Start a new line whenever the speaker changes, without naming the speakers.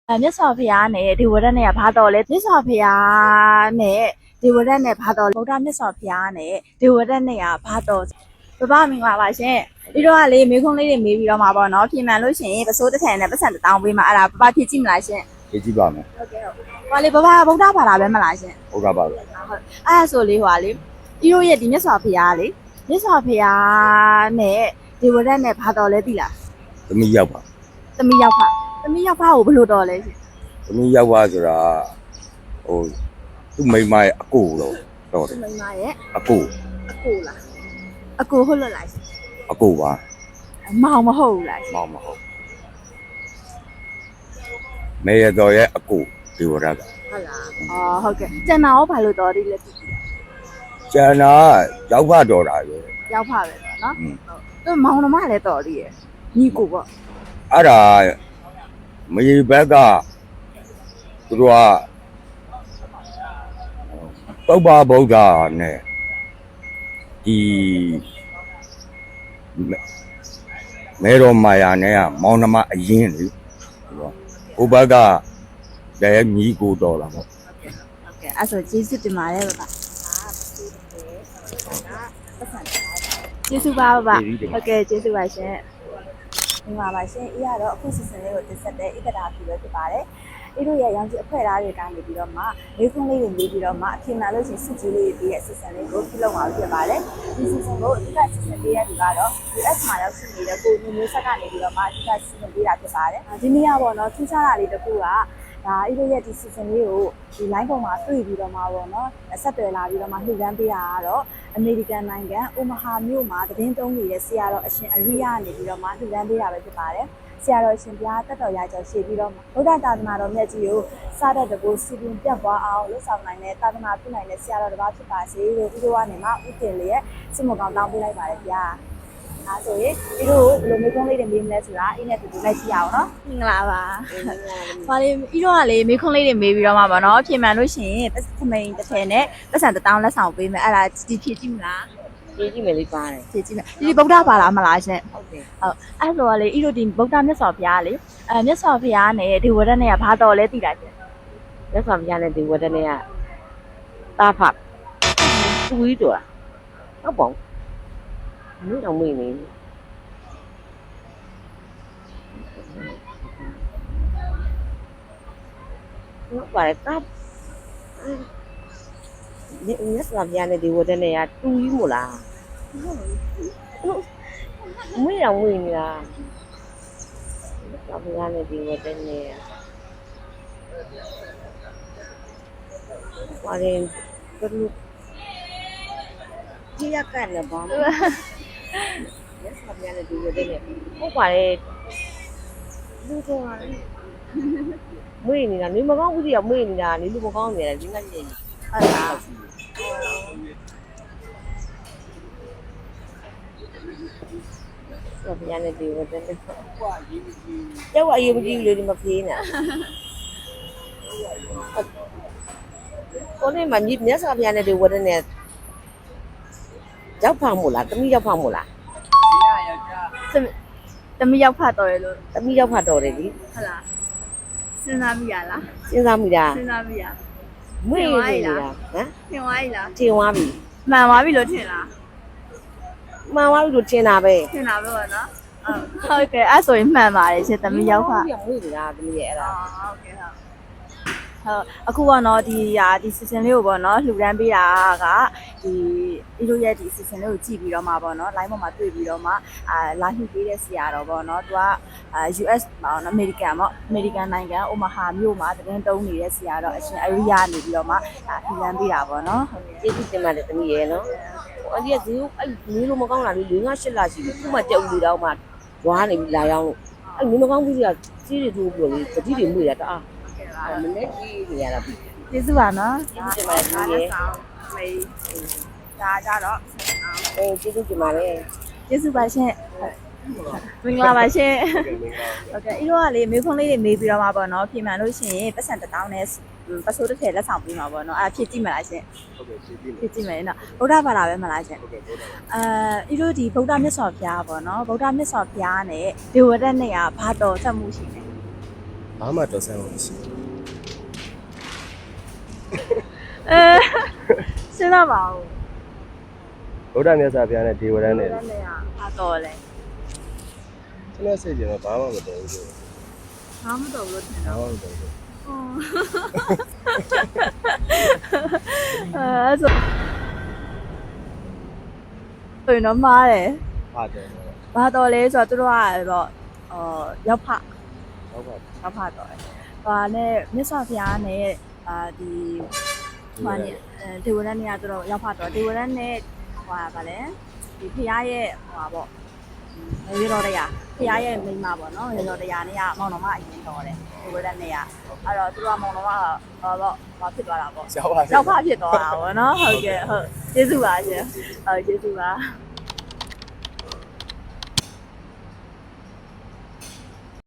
မြတ်စွာဘုရားနဲ့ဒီဝရတ်နဲ့ဘာတော်လဲမြတ်စွာဘုရားနဲ့ဒီဝရတ်နဲ့ဘာတော်ဗုဒ္ဓမြတ်စွာဘုရားနဲ့ဒီဝရတ်နဲ့ဘာတော်ဘဘမင်္ဂလာပါရှင်ဒီတော့ကလေမေခွန်းလေးတွေမေးပြီးတော့မှာပေါ့နော်ပြင်မှန်လို့ရှိရင်ပစိုးတစ်ထန်နဲ့ပတ်စံတစ်တောင်းပေးမှာအဲ့ဒါဘဘဖြည့်ကြည့်မလားရှင်
ဖြည့်ကြည့်ပါမယ်
ဟုတ်ကဲ့ဟုတ်ဟိုလေဘဘဗုဒ္ဓဘာသာပဲမလားရှင်
ဟုတ်ကဲ့ပါ
ဟုတ်အဲ့ဒါဆိုလေဟိုလေဒီတို့ရဲ့ဒီမြတ်စွာဘုရားလေမြတ်စွာဘုရားနဲ့ဒီဝရတ်နဲ့ဘာတော်လဲသိလား
သမီးရောက်ပါ
သမီးရောက်ဖကိုဘယ်လိုတော်လဲရှင်
သမီးရောက်ပါဆိုတာဟိုသူ့မိန်းမရဲ့အကိုတော့တယ်
မိန်းမရဲ့
အကို
လားအကိုဟုတ်လို့လားရှင်
အကိုပါ
မောင်မဟုတ်ဘူးလားရှင်
မောင်မဟုတ်မေရတော်ရဲ့အကိုဒီဝရက
ဟုတ်လားအော်ဟုတ်ကဲ့ကျန်တာရောဘာလို့တော်ဒီလဲသိပြီ
ကျန်တာရောက်ဖတော်တာပဲ
ရောက်ဖပဲပေါ့နော်ဟုတ်သူမောင်နှမလည်းတော်သေးရဲ့ညီကိုပေါ့
အဲ့ဒါမေဘက်ကသူတို့ကပုပ္ပဗုဒ္ဓနဲ့ဒီမေတော်မာယာနဲ့ကမောင်နှမအရင်လေဟိုဘက်ကလည်းညီကိုတော်လာပေါ့
ဟုတ်ကဲ့အဲ့ဆိုကျေးဇူးတင်ပါတယ်ဗျာကျေးဇူးပါဗျာဟုတ်ကဲ့ကျေးဇူးပါရှင်ဒီမှာပါရှင်အေးရတော့အခုစီစဉ်လေးကိုတင်ဆက်တဲ့ဧကတာဖြူပဲဖြစ်ပါတယ်အေးတို့ရဲ့ရောင်ကြီးအဖွဲသားတွေကနေပြီးတော့မှလေးခွန်းလေးတွေနေပြီးတော့မှအထင်မှန်လို့ရှိရင်စစ်ကြီးလေးတွေရဲ့စီစဉ်လေးကိုပြုလုပ်မှာဖြစ်ပါတယ်ဒီစီစဉ်ကိုအဓိကစီစဉ်ပေးရတဲ့သူကတော့ US မှာရောက်ရှိနေတဲ့ကိုမျိုးဆက်ကနေပြီးတော့မှအဓိကစီစဉ်ပေးတာဖြစ်ပါတယ်ဒီနေ့ကပေါ့နော်ထူးခြားတာလေးတစ်ခုကဒါအေးတို့ရဲ့ဒီ season လေးကိုဒီ line ပေါ်မှာတွေ့ပြီးတော့မှာပေါ့နော်ဆက်သွယ်လာပြီးတော့မှနှိမ့်ရမ်းပေးတာကတော့အမေရိကန်နိုင်ငံအိုမာဟာမြို့မှာသတင်းသုံးနေတဲ့ဆရာတော်အရှင်အရိယနေပြီးတော့မှနှိမ့်ရမ်းပေးတာပဲဖြစ်ပါတယ်ဆရာတော်ရှင်ဘုရားတက်တော်ရာကျော်ရှေ့ပြီးတော့ဗုဒ္ဓသာသနာတော်မြတ်ကြီးကိုစတဲ့တကူစီပင်ပြတ်သွားအောင်လှုပ်ဆောင်နိုင်တဲ့သာသနာပြုနိုင်တဲ့ဆရာတော်တစ်ပါးဖြစ်ပါစေလို့ဒီလိုကနေမှဥတင်လေးရဲ့စစ်မကောင်းတောင်းပေးလိုက်ပါတယ်ဗျာဒါဆိုရင်ဒီလိုဘယ်လိုမျိုးကုန်းလေးတွေမေးမလဲဆိုတာအင်းနဲ့တူတူလိုက်ကြည့်အောင်နော်မင်္ဂလာပါဘာလေးဤတော့ကလေမေးခွန်းလေးတွေမေးပြီးတော့မှာပါနော်ပြင်မှန်လို့ရှိရင်သမိန်တစ်ထည်နဲ့ပတ်စံတစ်တောင်းလက်ဆောင်ပေးမယ်အဲ့ဒါဒီဖြည့်ကြည့်မလား
ဖြည့်ကြည့်မယ်လေးပါတယ်
ဖြည့်ကြည့်မယ်ဒီဗုဒ္ဓဘာသာမလားရှင်
ဟုတ်တယ်
ဟုတ်အဲ့ဆိုလေဤတို့ဒီဗုဒ္ဓမြတ်စွာဘုရားလေမြတ်စွာဘုရားနဲ့ဒီဝရတ်နဲ့ကဘာတော်လဲသိတာရှင်
မြတ်စွာဘုရားနဲ့ဒီဝတ္တနဲ့ကတာဖတ်သူကြီးတော်ဟုတ်ပေါ့မင်းတော့မင်းနေဟုတ်ပါတယ်တပ်ဒီမြတ်စွာဘုရားနဲ့ဒီဝတ္တနဲ့ကတူကြီးမို့လားမင်းတော့မင်းနေလားမြတ်စွာဘုရားနဲ့ဒီဝတ္တနဲ့ဘာလဲဘယ်လိုကြည့်ရကန်လဲဘာလဲလက်ဆောင်ရတဲ့ဒီဝတ္တနဲ့ဟုတ်ပါတယ်လူတော်မွေးနေတာနေမကောင်းဘူးစီကမွေးနေတာနေလူမကောင်းနေတယ်ဒီကနေ့
ဟုတ်လား
ဆောဘရနဲ့ဒီဝတ္တနဲ့ကျောက်အရေးမကြီးလေဒီမဖေးနေတာကိုနေမမြတ်စွာဘုရားနဲ့ဒီဝတ္တနဲ့ရောက်ဖောက်မို့လားတမိရောက်ဖောက်မို့လား
တမီရောက်ဖတ်တော်ရလို့
တမိရောက်ဖောက်တော်တယ်လी
ဟုတ်လားစဉ်းစားမိရလား
စဉ်းစားမိတာ
စဉ်းစားမိရ
မွေးနေတာဟမ်
ထင်သွားပြီလား
ထင်သွားပြီ
မှန်သွားပြီလို့ထင်လား
မှန်သွားပြီလို့ထင်တာပဲ
ထင်တာပဲပေါ့နော်ဟုတ်ကဲ့အဲ့ဆိုရင်မှန်ပါတယ်ရှင်တမီရောက်ဖတ်
မွေးနေတာတမိရဲ့အဲ့ဒါ
ဟုတ်ကဲ့ဟုတ်အခုပေါ့နော်ဒီ season လေးကိုပေါ့နော်လှူဒန်းပေးတာကဒီလိုရဲ့ဒီ season လေးကိုကြည့်ပြီးတော့မှပေါ့နော် line ပေါ်မှာတွေ့ပြီးတော့မှလာလှူပေးတဲ့ဆရာတော်ပေါ့နော်သူကUS ပေါ့နော် American ပေါ့ American နိုင်ငံအိုမာဟာမြို့မှာသတင်းတုံးနေတဲ့ဆရာတော်အရှင်အရိယနေပြီးတော့မှလှူဒန်းပေးတာပေါ့နော်
ဟုတ်ကဲ့ကျေးဇူးတင်ပါတယ်တမိရဲ့နော်အန်ဒီကဇီးအဲ့မျိုးလိုမကောင်းတာလေ4-5-8လရှိပြီခုမှတက်ဦးလေးတော့မှဝါးနေပြီလာရောက်လို့အဲ့မျိုးမကောင်းဘူးစီကစီးတွေထိုးပြီးလို့တတိတွေမှုရတာမနေ့ကြီးနေရတာပြီ
ကျေးဇူးပါနော်
ကျေးဇူးတင်ပါတယ်
မေးဒါကြတော့
ကျေးဇူးတင်ပါတယ်
ကျေးဇူးပါရှင်မင်္ဂလာပါရှင်ဟုတ်ကဲ့ဤတော့ကလေမေးခွန်းလေးတွေမေးပြီးတော့မှာပေါ့နော်ပြင်မှန်လို့ရှိရင်ပတ်စံတစ်တောင်းနဲ့ပစိုးတစ်ထည်လက်ဆောင်ပေးမှာပေါ့နော်အဲ့ဖြည့်ကြည့်မလားရှင်
ဟုတ်ကဲ့ဖြည့်ကြည့်
မယ်နော်ဗုဒ္ဓဘာသာပဲမလားရှင်
ဟုတ်ကဲ့ဗုဒ္ဓ
ဤတို့ဒီဗုဒ္ဓမြတ်စွာဘုရားပေါ့နော်ဗုဒ္ဓမြတ်စွာဘုရားနဲ့ဒေဝရတ်နဲ့ကဘာတော်ဆက်မှုရှိလဲ
ဗ
ဘာမှတော်ဆန်းလို့မရှိ
စဉ်းစားပါဦး
ဗုဒ္ဓမြတ်စွာဘုရားနဲ့ဒေဝရန်နဲ့
နဲ့ဟာတော်လဲ
ကျွန်တော်စိတ်ကြမှာဘာမှမတော်ဘူးလို့
ဘာမှမတော်ဘူးလို့ထင်
ဘာ
တော့
မှမတော်ဘူး
အဲ့ဆိုရင်တော့မားတယ်
ပါတယ်
ဘာတော်လဲဆိုတော့သူတို့ကတော့ရောက်ဖ
ဟုတ်ပါ
ရောက်ဖတော်တယ်ဟာနဲ့မြတ်စွာဘုရားနဲ့ဒီဟာနဲ့ဒေဝရန်နေရာသူတို့ရောက်ဖတော်ဒေဝရန်နဲ့ဟိုဗာလဲဒီဘုရားရဲ့ဟိုပေါ့ရေတော်တရားဘုရားရဲ့မိန်းမပေါ့နော်ရေတော်တရားနဲ့ကမောင်တော်မအရင်တော်တယ်ဒေဝရန်နဲ့ကအဲ့တော့သူတို့ကမောင်တော်မဘာဖြစ်သွားတာပေါ့
ရောက်ပါ
ရောက်ဖဖြစ်သွားတာပေါ့နော်ဟုတ်ကဲ့ဟုတ်ကျေးဇူးပါရှင်ဟုတ်ကျေးဇူးပါ